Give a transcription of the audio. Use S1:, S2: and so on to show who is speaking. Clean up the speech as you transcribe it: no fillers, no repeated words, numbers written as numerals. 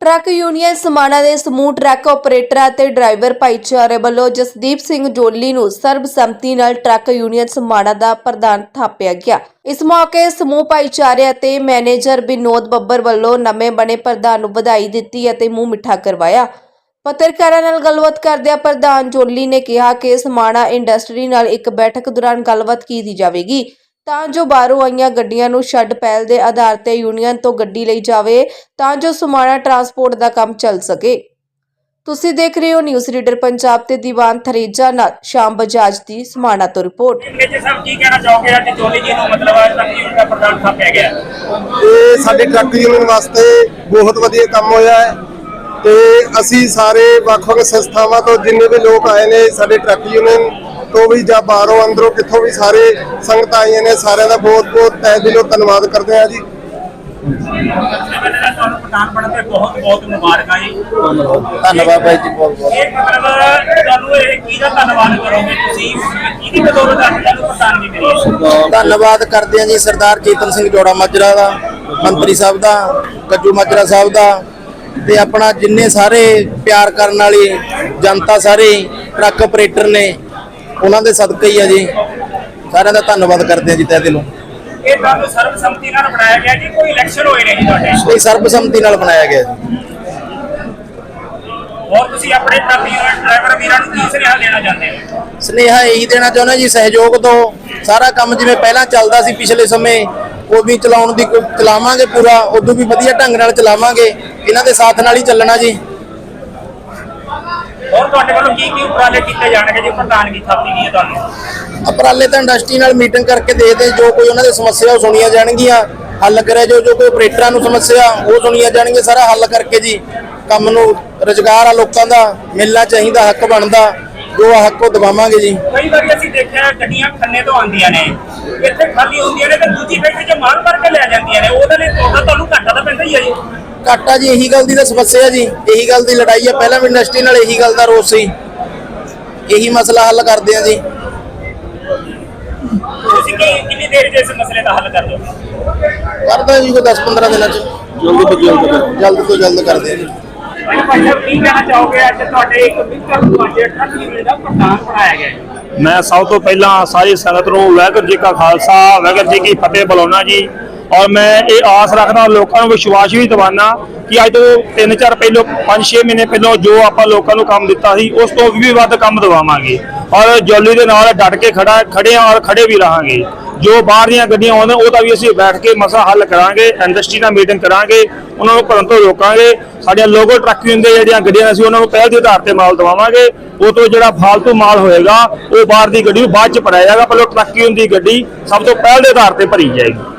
S1: Truck union समाणा ਦੇ ਸਮੂਹ truck ਆਪਰੇਟਰਾਂ ਤੇ ਡਰਾਈਵਰ ਭਾਈਚਾਰੇ ਵੱਲੋਂ ਜਸਦੀਪ ਸਿੰਘ ਜੋਲੀ ਨੂੰ ਸਰਬਸੰਮਤੀ ਨਾਲ ਟਰੱਕ ਯੂਨੀਅਨ समाणा ਦਾ ਪ੍ਰਧਾਨ ਥਾਪਿਆ ਗਿਆ। ਇਸ ਮੌਕੇ ਸਮੂਹ ਭਾਈਚਾਰੇ ਅਤੇ ਮੈਨੇਜਰ ਵਿਨੋਦ ਬੱਬਰ ਵੱਲੋਂ ਨਵੇਂ ਬਣੇ ਪ੍ਰਧਾਨ ਨੂੰ ਵਧਾਈ ਦਿੱਤੀ ਅਤੇ ਮੂੰਹ ਮਿੱਠਾ ਕਰਵਾਇਆ। ਪੱਤਰਕਾਰਾਂ ਨਾਲ ਗੱਲਬਾਤ ਕਰਦਿਆਂ ਪ੍ਰਧਾਨ ਜੋਲੀ ਨੇ ਕਿਹਾ ਕਿ समाणा ਇੰਡਸਟਰੀ ਨਾਲ ਇੱਕ ਬੈਠਕ ਦੌਰਾਨ ਗੱਲਬਾਤ ਕੀਤੀ ਜਾਵੇਗੀ ਤਾਂ ਜੋ ਬਾਹਰੋਂ ਆਈਆਂ ਗੱਡੀਆਂ ਨੂੰ ਛੱਡ ਪਹਿਲ ਦੇ ਆਧਾਰ ਤੇ ਯੂਨੀਅਨ ਤੋਂ ਗੱਡੀ ਲਈ ਜਾਵੇ ਤਾਂ ਜੋ समाणा ਟਰਾਂਸਪੋਰਟ ਦਾ ਕੰਮ ਚੱਲ ਸਕੇ। ਤੁਸੀਂ ਦੇਖ ਰਹੇ ਹੋ ਨਿਊਜ਼ ਰੀਡਰ ਪੰਜਾਬ ਤੇ ਦੀਵਾਨ ਥਰੇਜਾ ਨਾਲ ਸ਼ਾਮ ਬਜਾਜ ਦੀ समाणा ਤੋਂ ਰਿਪੋर्ट।
S2: ਜੀ ਸਾਹਿਬ ਕੀ ਕਹਿਣਾ ਚਾਹੋਗੇ ਅੱਜ ਜੋਲੀ ਜੀ ਨੂੰ ਮਤਲਬ ਟਰੱਕ ਯੂਨੀਅਨ ਦਾ ਪ੍ਰਧਾਨ ਥਾਪਿਆ ਗਿਆ?
S3: ਇਹ ਸਾਡੇ ਟਰੱਕ ਯੂਨੀਅਨ ਵਾਸਤੇ ਬਹੁਤ ਵਧੀਆ ਕੰਮ ਹੋਇਆ ਹੈ ਤੇ ਅਸੀਂ ਸਾਰੇ ਵੱਖ-ਵੱਖ ਸੰਸਥਾਵਾਂ ਤੋਂ ਜਿੰਨੇ ਵੀ ਲੋਕ ਆਏ ਨੇ ਸਾਡੇ ਟਰੱਕ ਯੂਨੀਅਨ ਤੋਂ ਵੀ ਜਾਂ ਬਾਹਰੋਂ ਅੰਦਰੋਂ ਕਿੱਥੋਂ ਵੀ ਸਾਰੇ ਸੰਗਤ ਆਈਆਂ ਨੇ ਸਾਰਿਆਂ ਦਾ ਬਹੁਤ-ਬਹੁਤ ਤਹਿ ਦਿਲੋਂ ਧੰਨਵਾਦ ਕਰਦੇ ਹਾਂ ਜੀ।
S2: ਤੁਹਾਨੂੰ ਪ੍ਰਧਾਨ ਬਣਨ ਤੇ ਬਹੁਤ-ਬਹੁਤ ਮੁਬਾਰਕਾਂ ਜੀ।
S3: ਧੰਨਵਾਦ ਭਾਈ ਜੀ ਬਹੁਤ-ਬਹੁਤ।
S2: ਇਹ ਮਤਲਬ ਤੁਹਾਨੂੰ ਇਹ ਕਿਹਦਾ ਧੰਨਵਾਦ ਕਰੋਗੇ ਤੁਸੀਂ ਕਿਹਦੀ ਬਦੌਲਤ ਅੱਜ ਤੁਹਾਨੂੰ ਪ੍ਰਧਾਨਗੀ ਮਿਲੀ ਹੈ?
S4: ਧੰਨਵਾਦ ਕਰਦੇ ਹਾਂ ਜੀ ਸਰਦਾਰ ਚੇਤਨ ਸਿੰਘ ਜੋੜਾ ਮਾਜਰਾ ਦਾ, ਮੰਤਰੀ ਸਾਹਿਬ ਦਾ, ਕੱਜੂ ਮਾਜਰਾ ਸਾਹਿਬ ਦਾ ਤੇ ਆਪਣਾ ਜਿੰਨੇ ਸਾਰੇ ਪਿਆਰ ਕਰਨ ਵਾਲੀ ਜਨਤਾ ਸਾਰੇ ਟਰੱਕ ਆਪਰੇਟਰ ਨੇ ਉਹਨਾਂ ਦੇ ਸਦਕਾ ਹੀ ਆ ਜੀ। ਸਾਰਿਆਂ ਦਾ ਧੰਨਵਾਦ ਕਰਦੇ ਹਾਂ ਜੀ ਤਹਿ ਦਿਲੋਂ।
S2: ਇਹ ਤੁਹਾਨੂੰ ਸਰਬਸੰਮਤੀ ਨਾਲ ਬਣਾਇਆ ਗਿਆ ਜੀ ਕੋਈ ਇਲੈਕਸ਼ਨ ਹੋਏ ਨੇ ਜੀ ਤੁਹਾਡੇ?
S4: ਇਹ ਸਰਬਸੰਮਤੀ ਨਾਲ ਬਣਾਇਆ ਗਿਆ ਜੀ।
S2: ਹੋਰ ਤੁਸੀਂ ਆਪਣੇ ਟਰੱਕ ਯੂਨੀਅਨ ਡਰਾਈਵਰ ਵੀਰਾਂ ਨੂੰ ਕੀ ਸੁਨੇਹਾ ਦੇਣਾ ਚਾਹੁੰਦੇ ਹੋ?
S4: ਸੁਨੇਹਾ ਇਹੀ ਦੇਣਾ ਚਾਹੁੰਦਾ ਜੀ ਸਹਿਯੋਗ ਤੋਂ ਸਾਰਾ ਕੰਮ ਜਿਵੇਂ ਪਹਿਲਾਂ ਚੱਲਦਾ ਸੀ ਪਿਛਲੇ ਸਮੇਂ ਉਦੋਂ ਚਲਾਉਣ ਦੀ ਚਲਾਵਾਂਗੇ ਪੂਰਾ ਉਦੋਂ ਵੀ ਵਧੀਆ ਢੰਗ ਨਾਲ ਚਲਾਵਾਂਗੇ। ਇਹਨਾਂ ਦੇ ਸਾਥ ਨਾਲ ਹੀ ਚੱਲਣਾ ਜੀ।
S2: ਹੋਰ ਤੁਹਾਡੇ ਵੱਲੋਂ ਕੀ ਉਪਰਾਲੇ ਕੀਤੇ ਜਾਣਗੇ ਜੀ ਪ੍ਰਧਾਨਗੀ ਥਾਪੀ ਗਈ ਹੈ ਤੁਹਾਨੂੰ?
S4: ਉਪਰਾਲੇ ਤਾਂ ਇੰਡਸਟਰੀ ਨਾਲ ਮੀਟਿੰਗ ਕਰਕੇ ਦੇਖਦੇ ਜੋ ਕੋਈ ਉਹਨਾਂ ਦੀ ਸਮੱਸਿਆ ਉਹ ਸੁਣੀਆਂ ਜਾਣਗੀਆਂ, ਹੱਲ ਕਰਿਆ ਜੋ ਕੋਈ ਆਪਰੇਟਰਾਂ ਨੂੰ ਸਮੱਸਿਆ ਉਹ ਸੁਣੀਆਂ ਜਾਣਗੀਆਂ, ਸਾਰਾ ਹੱਲ ਕਰਕੇ ਜੀ ਕੰਮ ਨੂੰ ਰੁਜ਼ਗਾਰ ਆ ਲੋਕਾਂ ਦਾ ਮਿਲਣਾ ਚਾਹੀਦਾ, ਹੱਕ ਬਣਦਾ ਜੋ ਹੱਕ ਉਹ ਦਵਾਵਾਂਗੇ ਜੀ।
S2: ਕਈ ਵਾਰੀ ਅਸੀਂ ਦੇਖਿਆ ਗੱਡੀਆਂ ਖੰਨੇ ਤੋਂ ਆਉਂਦੀਆਂ ਨੇ ਇੱਥੇ ਖਾਲੀ ਹੁੰਦੀਆਂ ਨੇ ਤੇ ਦੂਜੀ ਫੈਕਟਰੀ 'ਚ ਮਾਰ ਕੇ ਲੈ ਜਾਂਦੀਆਂ ਨੇ ਉਹਦੇ ਲਈ ਤੁਹਾਨੂੰ ਘਾਟਾ ਤਾਂ ਪੈਂਦਾ ਹੀ ਹੈ ਜੀ।
S4: ਘਾਟਾ ਜੀ ਇਹੀ ਗੱਲ ਦੀ ਤਾਂ ਸਮੱਸਿਆ ਜੀ, ਇਹੀ ਗੱਲ ਦੀ ਲੜਾਈ ਆ। ਪਹਿਲਾਂ ਵੀ ਇੰਡਸਟਰੀ ਨਾਲ ਇਹੀ ਗੱਲ ਦਾ ਰੋਸ ਸੀ, ਇਹੀ ਮਸਲਾ ਹੱਲ ਕਰਦੇ ਆ ਜੀ।
S2: ਤੁਸੀਂ ਕਿੰਨੀ ਦੇਰ 'ਚ ਇਸ ਮਸਲੇ ਦਾ ਹੱਲ ਕਰ ਦੋਗੇ?
S4: ਕਰਦਾ ਜੀ ਕੋਈ 10-15 ਦਿਨਾਂ 'ਚ ਜਲਦ ਤੋਂ ਜਲਦ ਕਰਦੇ ਆ ਜੀ।
S2: ਭਾਈ ਸਾਹਿਬ ਕੀ ਕਹਿਣਾ ਚਾਹੋਗੇ ਅੱਜ ਤੁਹਾਡੇ ਇੱਕ ਵਿਕਰ ਤੁਹਾਡੇ ਟਰੱਕ ਯੂਨੀਅਨ ਦਾ ਪ੍ਰਧਾਨ ਬਣਾਇਆ ਗਿਆ ਹੈ?
S5: ਮੈਂ ਸਭ ਤੋਂ ਪਹਿਲਾਂ ਸਾਰੀ ਸੰਗਤ ਨੂੰ ਵਾਹਿਗੁਰੂ ਜੀ ਕਾ ਖਾਲਸਾ ਵਾਹਿਗੁਰੂ ਜੀ ਕੀ ਫਤਿਹ ਬੁਲਾਉਣਾ ਜੀ। ਔਰ ਮੈਂ ਇਹ ਆਸ ਰੱਖਦਾ ਲੋਕਾਂ ਨੂੰ ਵਿਸ਼ਵਾਸ ਵੀ ਦਿਵਾਨਾ ਕਿ ਅੱਜ ਤੋਂ 3-4 ਪਹਿਲੋਂ 5-6 ਮਹੀਨੇ ਪਹਿਲਾਂ ਜੋ ਆਪਾਂ ਲੋਕਾਂ ਨੂੰ ਕੰਮ ਦਿੱਤਾ ਸੀ ਉਸ ਤੋਂ ਵੀ ਵੱਧ ਕੰਮ ਦਵਾਵਾਂਗੇ ਔਰ ਜੋਲੀ ਦੇ ਨਾਲ ਡਟ ਕੇ ਖੜੇ ਔਰ ਖੜੇ ਵੀ ਰਹਾਂਗੇ। ਜੋ ਬਾਹਰ ਦੀਆਂ ਗੱਡੀਆਂ ਆਉਂਦੀਆਂ ਉਹਦਾ ਵੀ ਅਸੀਂ ਬੈਠ ਕੇ ਮਸਲਾ ਹੱਲ ਕਰਾਂਗੇ, ਇੰਡਸਟਰੀ ਨਾਲ ਮੀਟਿੰਗ ਕਰਾਂਗੇ, ਉਹਨਾਂ ਨੂੰ ਭਰਨ ਤੋਂ ਰੋਕਾਂਗੇ। ਸਾਡੀਆਂ ਲੋਕਲ ਟਰੱਕ ਯੂਨੀਅਨ ਦੇ ਜਿਹੜੀਆਂ ਗੱਡੀਆਂ ਅਸੀਂ ਉਹਨਾਂ ਨੂੰ ਪਹਿਲ ਦੇ ਆਧਾਰ ਤੇ ਮਾਲ ਦਵਾਵਾਂਗੇ। ਉਹ ਤੋਂ ਜਿਹੜਾ ਫਾਲਤੂ ਮਾਲ ਹੋਏਗਾ ਉਹ ਬਾਹਰ ਦੀ ਗੱਡੀ ਨੂੰ ਬਾਅਦ ਚ ਭਰਾਇਆ ਜਾਏਗਾ, ਪਹਿਲਾਂ ਟਰੱਕ ਯੂਨੀਅਨ ਦੀ ਗੱਡੀ ਸਭ ਤੋਂ ਪਹਿਲ ਦੇ ਆਧਾਰ ਤੇ ਭਰੀ ਜਾਏਗੀ।